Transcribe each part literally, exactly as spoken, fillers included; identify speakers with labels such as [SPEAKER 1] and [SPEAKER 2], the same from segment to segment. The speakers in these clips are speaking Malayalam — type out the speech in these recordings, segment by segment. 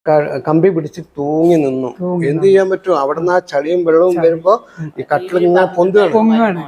[SPEAKER 1] കമ്പി പിടിച്ച് തൂങ്ങി നിന്നു. എന്ത് ചെയ്യാൻ പറ്റും? അവിടുന്ന് ആ ചളിയും വെള്ളവും വരുമ്പോ ഈ കട്ടിലിങ്ങനെ പൊന്തുകയാണ്.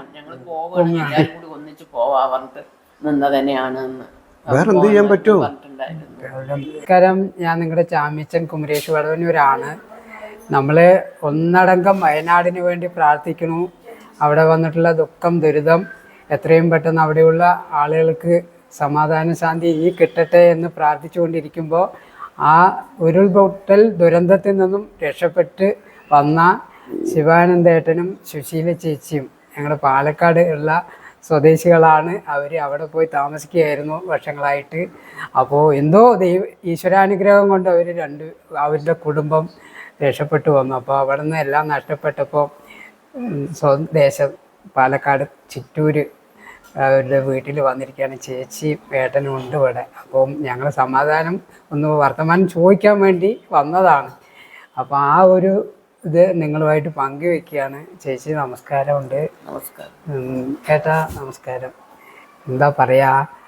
[SPEAKER 1] വേറെന്ത് ചെയ്യാൻ പറ്റും?
[SPEAKER 2] നമസ്കാരം, ഞാൻ നിങ്ങളുടെ ചാമ്യച്ചൻ കുമരേഷ് വടവന്നൂരാണ്. നമ്മള് ഒന്നടങ്കം വയനാടിന് വേണ്ടി പ്രാർത്ഥിക്കുന്നു. അവിടെ വന്നിട്ടുള്ള ദുഃഖം ദുരിതം എത്രയും പെട്ടെന്ന് അവിടെയുള്ള ആളുകൾക്ക് സമാധാന ശാന്തി ഈ കിട്ടട്ടെ എന്ന് പ്രാർത്ഥിച്ചുകൊണ്ടിരിക്കുമ്പോൾ ആ ഉരുൾപൊട്ടൽ ദുരന്തത്തിൽ നിന്നും രക്ഷപ്പെട്ട് വന്ന ശിവാനന്ദേട്ടനും സുശീല ചേച്ചിയും ഞങ്ങളുടെ പാലക്കാട് ഉള്ള സ്വദേശികളാണ്. അവർ അവിടെ പോയി താമസിക്കുകയായിരുന്നു വർഷങ്ങളായിട്ട്. അപ്പോൾ എന്തോ ദൈവ ഈശ്വരാനുഗ്രഹം കൊണ്ട് അവർ രണ്ട് അവരുടെ കുടുംബം രക്ഷപ്പെട്ടു വന്നു. അപ്പോൾ അവിടെ നിന്ന് എല്ലാം നഷ്ടപ്പെട്ടപ്പോൾ സ്വദേശം പാലക്കാട് ചിറ്റൂർ അവരുടെ വീട്ടിൽ വന്നിരിക്കുകയാണ്. ചേച്ചി ഏട്ടനും ഉണ്ട് ഇവിടെ. അപ്പം ഞങ്ങൾ സമാധാനം ഒന്ന് വർത്തമാനം ചോദിക്കാൻ വേണ്ടി വന്നതാണ്. അപ്പോൾ ആ ഒരു ഇത് നിങ്ങളുമായിട്ട് പങ്കുവെക്കുകയാണ്. ചേച്ചി നമസ്കാരമുണ്ട്.
[SPEAKER 3] നമസ്കാരം.
[SPEAKER 2] ഏട്ടാ നമസ്കാരം. എന്താ പറയുക,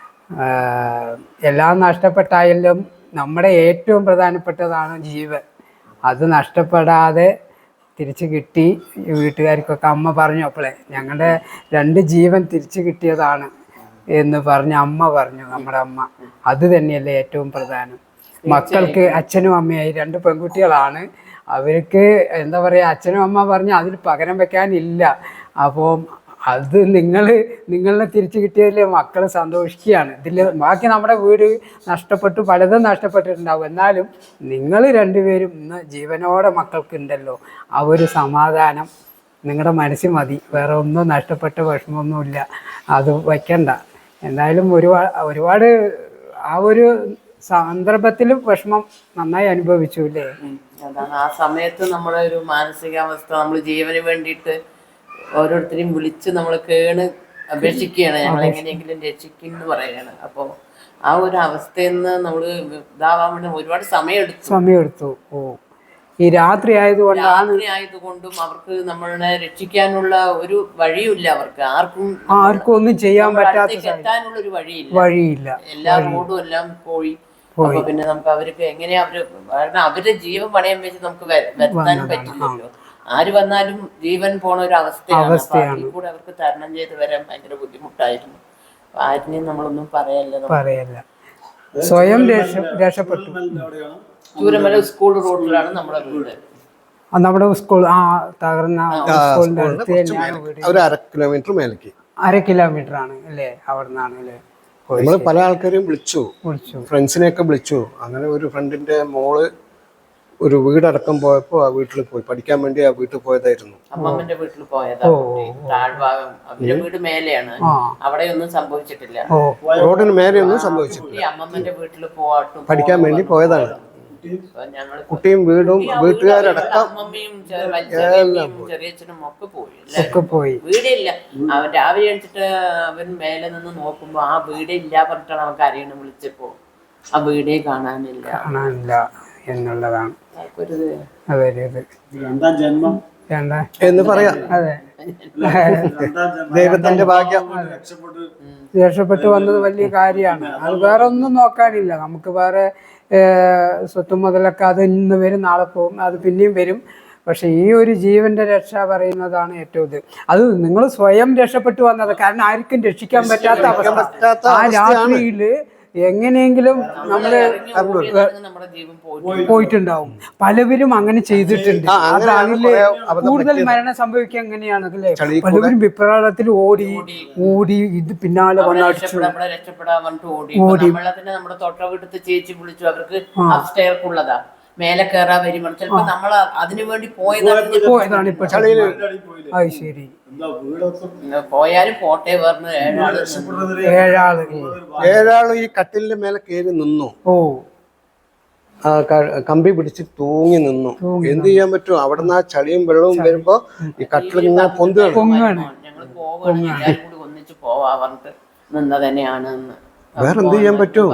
[SPEAKER 2] എല്ലാം നഷ്ടപ്പെട്ടായാലും നമ്മുടെ ഏറ്റവും പ്രധാനപ്പെട്ടതാണ് ജീവൻ. അത് നഷ്ടപ്പെടാതെ തിരിച്ചു കിട്ടി. വീട്ടുകാർക്കൊക്കെ അമ്മ പറഞ്ഞു അപ്പോളെ ഞങ്ങളുടെ രണ്ട് ജീവൻ തിരിച്ചു കിട്ടിയതാണ് എന്ന് പറഞ്ഞ് അമ്മ പറഞ്ഞു, നമ്മുടെ അമ്മ. അത് തന്നെയല്ലേ ഏറ്റവും പ്രധാനം. മക്കൾക്ക് അച്ഛനും അമ്മയായി രണ്ട് പെൺകുട്ടികളാണ്. അവർക്ക് എന്താ പറയുക, അച്ഛനും അമ്മ പറഞ്ഞ് അതിൽ പകരം വെക്കാനില്ല. അപ്പോൾ അത് നിങ്ങൾ നിങ്ങളെ തിരിച്ചു കിട്ടിയതിൽ മക്കൾ സന്തോഷിക്കുകയാണ്. ഇതിൽ ബാക്കി നമ്മുടെ വീട് നഷ്ടപ്പെട്ടു, പലതും നഷ്ടപ്പെട്ടിട്ടുണ്ടാവും. എന്നാലും നിങ്ങൾ രണ്ടുപേരും ഇന്ന് ജീവനോടെ മക്കൾക്കുണ്ടല്ലോ, ആ ഒരു സമാധാനം നിങ്ങളുടെ മനസ്സിൽ മതി. വേറെ ഒന്നും നഷ്ടപ്പെട്ട വിഷമമൊന്നുമില്ല, അത് വയ്ക്കണ്ട. എന്തായാലും ഒരുപാട് ഒരുപാട് ആ ഒരു സന്ദർഭത്തിൽ വിഷമം നന്നായി അനുഭവിച്ചു അല്ലേ?
[SPEAKER 3] അതാണ് ആ സമയത്ത് നമ്മുടെ ഒരു മാനസികാവസ്ഥ. നമ്മൾ ജീവന് വേണ്ടിയിട്ട് ഓരോരുത്തരെയും വിളിച്ച് നമ്മൾ കേണ് അപേക്ഷിക്കുകയാണ്, ഞങ്ങൾ എങ്ങനെയെങ്കിലും രക്ഷിക്കും എന്ന് പറയുകയാണ്. അപ്പോൾ ആ ഒരു അവസ്ഥയിൽ നിന്ന് നമ്മൾ ഇതാവാൻ വേണ്ടി ഒരുപാട് സമയമെടുത്തു
[SPEAKER 2] സമയമെടുത്തു ഓ ഈ രാത്രി ആയതുകൊണ്ടാണ്
[SPEAKER 3] രാത്രി ആയതുകൊണ്ടും അവർക്ക് നമ്മളെ രക്ഷിക്കാനുള്ള ഒരു വഴിയുമില്ല. അവർക്ക് ആർക്കും
[SPEAKER 2] ആർക്കും ഒന്നും ചെയ്യാൻ പറ്റാത്ത
[SPEAKER 3] എത്താനുള്ള ഒരു വഴിയില്ല
[SPEAKER 2] വഴിയില്ല
[SPEAKER 3] എല്ലാ റോഡും എല്ലാം പോയി. അപ്പൊ പിന്നെ നമുക്ക് അവർക്ക് എങ്ങനെയാ അവര് കാരണം അവരുടെ ജീവൻ പണയം വെച്ച് നമുക്ക് വരുത്താനും പറ്റില്ലല്ലോ. ആര് വന്നാലും ജീവൻ പോണ ഒരു അവസ്ഥയാണ്. അതിൽ കൂടെ അവർക്ക് തരണം ചെയ്ത് വരാൻ ഭയങ്കര ബുദ്ധിമുട്ടായിരുന്നു. ആരിനെയും നമ്മളൊന്നും പറയല്ല
[SPEAKER 2] പറയല്ല സ്വയം രക്ഷപ്പെട്ടു.
[SPEAKER 3] ചൂരമല സ്കൂൾ റോഡിലാണ് നമ്മുടെ വീട്.
[SPEAKER 2] നമ്മുടെ സ്കൂൾ ആ തകർന്ന സ്കൂളിന്റെ അടുത്ത് തന്നെയാണ് വീട്.
[SPEAKER 1] ഒരു അര കിലോമീറ്റർ മേലേക്ക്
[SPEAKER 2] അര കിലോമീറ്റർ ആണ് അല്ലേ അവിടെ നിന്നാണ് അല്ലേ?
[SPEAKER 1] നമ്മൾ പല ആൾക്കാരെയും വിളിച്ചു,
[SPEAKER 2] വിളിച്ചു
[SPEAKER 1] ഫ്രണ്ട്സിനെയൊക്കെ വിളിച്ചു. അങ്ങനെ ഒരു ഫ്രണ്ടിന്റെ മോള് ഒരു വീടടക്കം പോയപ്പോ ആ വീട്ടിൽ പോയി പഠിക്കാൻ വേണ്ടി ആ വീട്ടിൽ പോയതായിരുന്നു.
[SPEAKER 3] അമ്മമ്മന്റെ വീട്ടിൽ പോയതാണ്. താഴ്ഭാഗം അവരുടെ വീട് മേലെയാണ്, അവിടെ ഒന്നും സംഭവിച്ചിട്ടില്ല.
[SPEAKER 1] റോഡിന് മേലെ ഒന്നും സംഭവിച്ചിട്ടില്ല.
[SPEAKER 3] അമ്മമ്മന്റെ വീട്ടിൽ പോവാട്ടും
[SPEAKER 1] പഠിക്കാൻ വേണ്ടി പോയതാണ്. കുട്ടിയും വീടും വീട്ടുകാരടക്കം
[SPEAKER 3] അമ്മമ്മയും ചെറിയച്ഛനും ഒക്കെ പോയി.
[SPEAKER 2] ഒക്കെ പോയി.
[SPEAKER 3] വീടില്ല. അവൻ രാവിലെ എണിച്ചിട്ട് അവൻ മേലെ നിന്ന് നോക്കുമ്പോ ആ വീടില്ല പറഞ്ഞിട്ടാണ് അവർക്ക് അറിയണം. വിളിച്ചപ്പോ ആ വീടേ കാണാനില്ല
[SPEAKER 2] കാണാനില്ല എന്നുള്ളതാണ്
[SPEAKER 1] രണ്ടാം ജന്മം എന്ന് പറയാം.
[SPEAKER 2] അതെ,
[SPEAKER 1] ദൈവത്തിന്റെ ഭാഗ്യം.
[SPEAKER 2] രക്ഷപ്പെട്ടു വന്നത് വലിയ കാര്യമാണ്. അത് വേറെ ഒന്നും നോക്കാനില്ല. നമുക്ക് വേറെ സ്വത്തും മുതലൊക്കെ അത് ഇന്ന് വരും, നാളെ പോകും, അത് പിന്നെയും വരും. പക്ഷെ ഈ ഒരു ജീവന്റെ രക്ഷ പറയുന്നതാണ് ഏറ്റവും ഇത്. അത് നിങ്ങൾ സ്വയം രക്ഷപ്പെട്ടു വന്നത്. കാരണം ആർക്കും രക്ഷിക്കാൻ പറ്റാത്ത അവസ്ഥ. ആ രാത്രിയില് എങ്ങനെയെങ്കിലും നമ്മള് പോയിട്ടുണ്ടാവും. പലവരും അങ്ങനെ ചെയ്തിട്ടുണ്ട്. അതാണില്ലേ കൂടുതൽ മരണം സംഭവിക്കുക എങ്ങനെയാണ് അല്ലേ? പലവരും വിപ്രാളത്തിൽ ഓടി ഓടി ഇത് പിന്നാലെ വന്നടിച്ചു
[SPEAKER 3] ഓടി. നമ്മുടെ തൊട്ട വീട്ടിൽ ചേച്ചി വിളിച്ചു, അവർക്ക് അപ്സ്റ്റെയർക്കുള്ളതാ, മേലെ കയറാൻ വരും. ചിലപ്പോ നമ്മൾ അതിനു വേണ്ടി
[SPEAKER 2] പോയതാണ് ഇപ്പൊ. അത് ശരി,
[SPEAKER 3] പോയാലും പോട്ടെ പറഞ്ഞു. ഏഴാള്
[SPEAKER 2] ഏഴാള്
[SPEAKER 1] ഏഴാള് ഈ കട്ടിലിന്റെ മേലെ കയറി നിന്നു.
[SPEAKER 2] ഓ
[SPEAKER 1] ആ കമ്പി പിടിച്ച് തൂങ്ങി നിന്നു. എന്ത് ചെയ്യാൻ പറ്റും? അവിടുന്ന് ആ ചളിയും വെള്ളവും വരുമ്പോ ഈ കട്ടിലിങ്ങനെ പൊന്തുകയാണ്.
[SPEAKER 3] ഞങ്ങള് പോവാണ്, എല്ലാവരും കൂടി ഒന്നിച്ച് പോവാ പറഞ്ഞിട്ട് നിന്ന തന്നെയാണ്.
[SPEAKER 1] വേറെന്ത് ചെയ്യാൻ പറ്റും?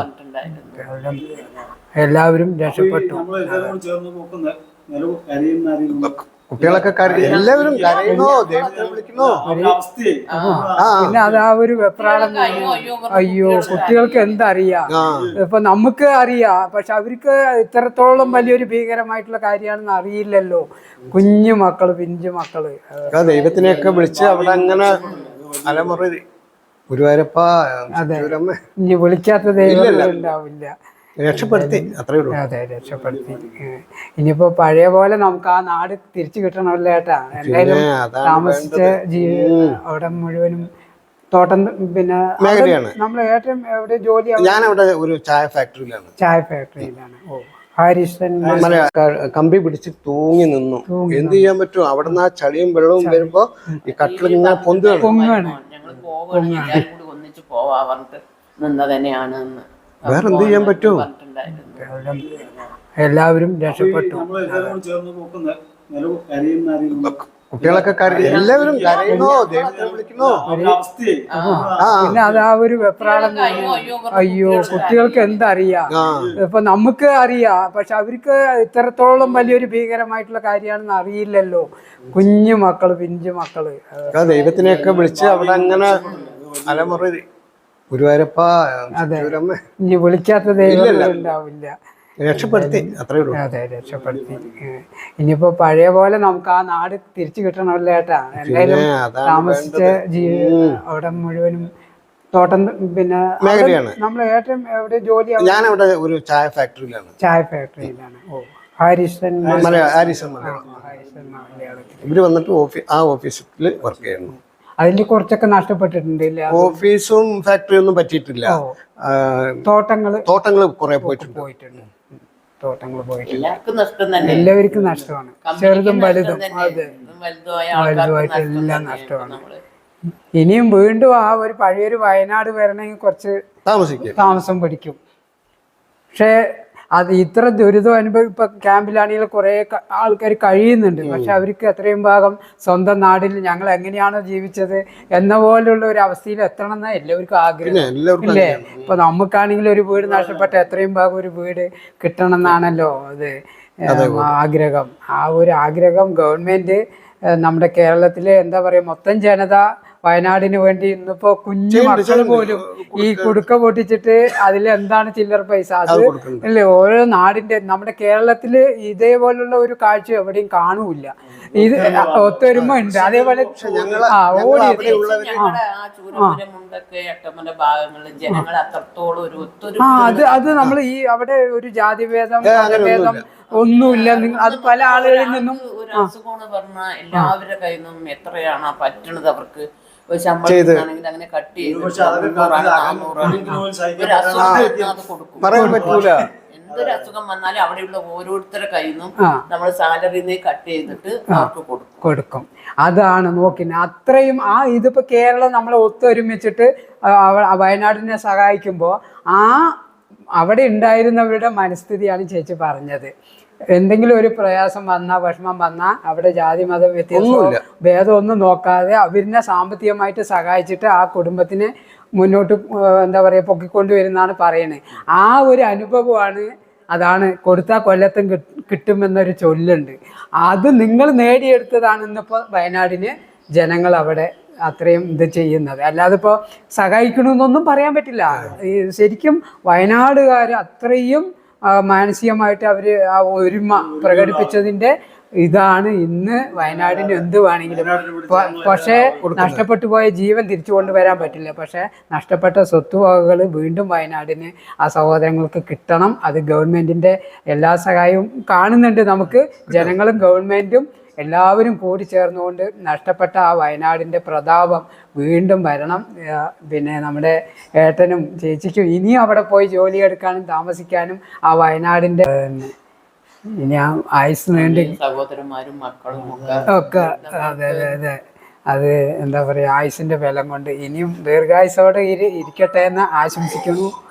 [SPEAKER 2] എല്ലാവരും രക്ഷപ്പെട്ടു.
[SPEAKER 1] കുട്ടികളൊക്കെ കരയും, എല്ലാവരും കരയണോ ദൈവത്തെ വിളിക്കണോ. ആ
[SPEAKER 2] പിന്നെ അത് ആ ഒരു വെപ്രാളം. അയ്യോ കുട്ടികൾക്ക് എന്തറിയാം, ഇപ്പൊ നമുക്ക് അറിയാം, പക്ഷെ അവർക്ക് ഇത്രത്തോളം വലിയൊരു ഭീകരമായിട്ടുള്ള കാര്യമാണെന്ന് അറിയില്ലല്ലോ. കുഞ്ഞു മക്കള്, പിഞ്ചു മക്കള്.
[SPEAKER 1] ദൈവത്തിനെയൊക്കെ വിളിച്ച് അവിടെ അങ്ങനെ അലമുറ ഗുരുവായൂരപ്പ ചുറ്റൂരമ്മ
[SPEAKER 2] ഇനി വിളിക്കാത്ത ദൈവം ഉണ്ടാവില്ല.
[SPEAKER 1] രക്ഷപ്പെടുത്തി, അത്രേ ഉള്ളൂ.
[SPEAKER 2] അതെ, രക്ഷപ്പെടുത്തി. ഇനിയിപ്പോ പഴയ പോലെ നമുക്ക് ആ നാട് തിരിച്ചു കിട്ടണമല്ലോ ഏട്ടാ. എന്തായാലും താമസിച്ച ജീവിതം അവിടെ മുഴുവനും തോട്ടം, പിന്നെ
[SPEAKER 1] മേഖലയാണ്.
[SPEAKER 2] നമ്മൾ ഏറ്റവും എവിടെ ജോലി?
[SPEAKER 1] ഞാനവിടെ ഒരു ചായ ഫാക്ടറിയിലാണ്.
[SPEAKER 2] ചായ ഫാക്ടറിയിലാണ്. ഓ, ഹരീഷൻ
[SPEAKER 1] കമ്പി പിടിച്ച് തൂങ്ങി നിന്നു. എന്ത് ചെയ്യാൻ പറ്റും? അവിടുന്ന് ആ ചളിയും വെള്ളവും വരുമ്പോ ഈ കട്ടിലിങ്ങനെ പൊന്തുകയാണ്.
[SPEAKER 2] പൊങ്ങാണ്.
[SPEAKER 3] ഞങ്ങൾ പോവാണ്, എല്ലാവരും കൂടി ഒന്നിച്ച് പോവാ പറഞ്ഞിട്ട് നിന്ന് തന്നെയാണ്.
[SPEAKER 1] വേറെ എന്ത് ചെയ്യാൻ പറ്റും?
[SPEAKER 2] എല്ലാവരും രക്ഷപ്പെട്ടു.
[SPEAKER 1] കുട്ടികളൊക്കെ കരയും, എല്ലാവരും കരയണോ ദൈവത്തെ വിളിക്കണോ.
[SPEAKER 2] പിന്നെ അത് ആ ഒരു വെപ്രാളം. അയ്യോ കുട്ടികൾക്ക് എന്തറിയാം, ഇപ്പൊ നമുക്ക് അറിയാം, പക്ഷെ അവർക്ക് ഇത്രത്തോളം വലിയൊരു ഭീകരമായിട്ടുള്ള കാര്യമാണെന്ന് അറിയില്ലല്ലോ. കുഞ്ഞു മക്കള്, പിഞ്ചു മക്കള്.
[SPEAKER 1] ദൈവത്തിനെയൊക്കെ വിളിച്ച് അവിടെ അങ്ങനെ അലമുറ ഗുരുവായൂരപ്പ ചുറ്റൂരമ്മ.
[SPEAKER 2] ഇനി വിളിക്കാത്ത ദൈവം ഉണ്ടാവില്ല.
[SPEAKER 1] രക്ഷപ്പെടുത്തി, അത്രേ ഉള്ളൂ.
[SPEAKER 2] അതെ, രക്ഷപ്പെടുത്തി. ഇനിയിപ്പോ പഴയ പോലെ നമുക്ക് ആ നാട് തിരിച്ചു കിട്ടണമല്ലോ ഏട്ടാ. എന്തായാലും താമസിച്ച ജീവിതം അവിടെ മുഴുവനും തോട്ടം, പിന്നെ
[SPEAKER 1] മേഖലയാണ്.
[SPEAKER 2] നമ്മൾ ഏറ്റവും എവിടെ ജോലി?
[SPEAKER 1] ഞാനവിടെ ഒരു ചായ ഫാക്ടറിയിലാണ്.
[SPEAKER 2] ചായ ഫാക്ടറിയിലാണ്. ഓ, ഹരീഷൻ
[SPEAKER 1] ഹാരിസൺ ഇവര് വന്നിട്ട് ഓഫീസ് ആ ഓഫീസിൽ വർക്ക് ചെയ്യുന്നു.
[SPEAKER 2] അതിന്റെ കുറച്ചൊക്കെ നഷ്ടപ്പെട്ടിട്ടുണ്ട്.
[SPEAKER 1] ഓഫീസും ഫാക്ടറി ഒന്നും പറ്റിയിട്ടില്ല.
[SPEAKER 2] തോട്ടങ്ങള്
[SPEAKER 1] തോട്ടങ്ങള് കുറെ പോയിട്ടുണ്ട്
[SPEAKER 2] പോയിട്ടുണ്ട് തോട്ടങ്ങൾ പോയിട്ടുണ്ട്.
[SPEAKER 3] എല്ലാവർക്കും നഷ്ടം തന്നെ,
[SPEAKER 2] എല്ലാവർക്കും നഷ്ടമാണ്. ചെറുതും വലുതും. അതെ,
[SPEAKER 3] വലുതുമായിട്ട്
[SPEAKER 2] എല്ലാം നഷ്ടമാണ്. ഇനിയും വീണ്ടും ആ ഒരു പഴയൊരു വയനാട് വരണമെങ്കിൽ കുറച്ച്
[SPEAKER 1] താമസിക്കും,
[SPEAKER 2] താമസം പിടിക്കും. പക്ഷേ അത് ഇത്ര ദുരിതം അനുഭവം ഇപ്പൊ ക്യാമ്പിലാണെങ്കിൽ കുറെ ആൾക്കാർ കഴിയുന്നുണ്ട്. പക്ഷെ അവർക്ക് എത്രയും ഭാഗം സ്വന്തം നാടിൽ ഞങ്ങൾ എങ്ങനെയാണോ ജീവിച്ചത് എന്ന പോലുള്ള ഒരു അവസ്ഥയിൽ എത്തണം എന്നാ എല്ലാവർക്കും ആഗ്രഹം ഇല്ലേ? ഇപ്പൊ നമുക്കാണെങ്കിൽ ഒരു വീട് നഷ്ടപ്പെട്ട എത്രയും ഭാഗം ഒരു വീട് കിട്ടണം എന്നാണല്ലോ അത് ആഗ്രഹം. ആ ഒരു ആഗ്രഹം ഗവൺമെന്റ് നമ്മുടെ കേരളത്തിലെ എന്താ പറയാ മൊത്തം ജനത വയനാടിന് വേണ്ടി ഇന്നിപ്പോ കുഞ്ഞു മക്കൾ പോലും ഈ കുടുക്ക പൊട്ടിച്ചിട്ട് അതിൽ എന്താണ് ചില്ലറ പൈസ അത് അല്ലേ? ഓരോ നാടിന്റെ നമ്മുടെ കേരളത്തില് ഇതേപോലുള്ള ഒരു കാഴ്ച എവിടെയും കാണൂല. ഇത് ഒത്തൊരുമ ഉണ്ട്. അതേപോലെ ആ ഓടി ആ അത് അത് നമ്മൾ ഈ അവിടെ ഒരു ജാതിഭേദം മതഭേദം ഒന്നുമില്ല. അത് പല ആളുകളിൽ നിന്നും
[SPEAKER 3] എല്ലാവരുടെ കയ്യിൽ നിന്നും എത്രയാണ് പറ്റണത് അവർക്ക് ശമ്പളം അങ്ങനെ കട്ട് ചെയ്ത് എന്തൊരു അസുഖം വന്നാലും അവിടെയുള്ള ഓരോരുത്തരുടെ കയ്യിൽ നിന്നും നമ്മൾ സാലറിന്ന് കട്ട് ചെയ്തിട്ട് അവർക്ക് കൊടുക്കും
[SPEAKER 2] കൊടുക്കും അതാണ് നോക്കിന് അത്രയും ആ ഇതിപ്പോ കേരളം നമ്മളെ ഒത്തൊരുമിച്ചിട്ട് വയനാടിനെ സഹായിക്കുമ്പോൾ ആ അവിടെ ഉണ്ടായിരുന്നവരുടെ മനസ്ഥിതിയാണ് ചേച്ചി പറഞ്ഞത്. എന്തെങ്കിലും ഒരു പ്രയാസം വന്നാൽ വിഷമം വന്നാൽ അവിടെ ജാതി മത വ്യത്യാസം ഭേദം ഒന്നും നോക്കാതെ അവരിനെ സാമ്പത്തികമായിട്ട് സഹായിച്ചിട്ട് ആ കുടുംബത്തിനെ മുന്നോട്ട് എന്താ പറയുക പൊക്കിക്കൊണ്ടുവരുന്നാണ് പറയുന്നത്. ആ ഒരു അനുഭവമാണ് അതാണ് കൊടുത്താൽ കൊല്ലത്തും കിട്ടുമെന്നൊരു ചൊല്ലുണ്ട്. അത് നിങ്ങൾ നേടിയെടുത്തതാണ് ഇന്നിപ്പോൾ വയനാടിന് ജനങ്ങൾ അവിടെ അത്രയും ഇത് ചെയ്യുന്നത്. അല്ലാതെ ഇപ്പോൾ സഹായിക്കണമെന്നൊന്നും പറയാൻ പറ്റില്ല. ശരിക്കും വയനാടുകാർ അത്രയും മാനസികമായിട്ട് അവർ ആ ഒരുമ പ്രകടിപ്പിച്ചതിൻ്റെ ഇതാണ് ഇന്ന് വയനാടിന് എന്ത് വേണമെങ്കിലും. പക്ഷേ നഷ്ടപ്പെട്ടു പോയ ജീവൻ തിരിച്ചു കൊണ്ടുവരാൻ പറ്റില്ല. പക്ഷേ നഷ്ടപ്പെട്ട സ്വത്തുവകകൾ വീണ്ടും വയനാടിന് ആ സഹോദരങ്ങൾക്ക് കിട്ടണം. അത് ഗവൺമെൻറ്റിൻ്റെ എല്ലാ സഹായവും കാണുന്നുണ്ട്. നമുക്ക് ജനങ്ങളും ഗവൺമെൻറ്റും എല്ലാവരും കൂടി ചേർന്നുകൊണ്ട് നഷ്ടപ്പെട്ട ആ വയനാടിൻ്റെ പ്രതാപം വീണ്ടും വരണം. പിന്നെ നമ്മുടെ ഏട്ടനും ചേച്ചിക്കും ഇനിയും അവിടെ പോയി ജോലിയെടുക്കാനും താമസിക്കാനും ആ വയനാടിൻ്റെ ഇനി ആ ആയുസ് നീണ്ടി
[SPEAKER 3] സഹോദരന്മാരും മക്കളും
[SPEAKER 2] ഒക്കെ അതെ അതെ അതെ അത് എന്താ പറയുക ആയുസിൻ്റെ ബലം കൊണ്ട് ഇനിയും ദീർഘായുസോടെ ഇരി ഇരിക്കട്ടെ എന്ന് ആശംസിക്കുന്നു.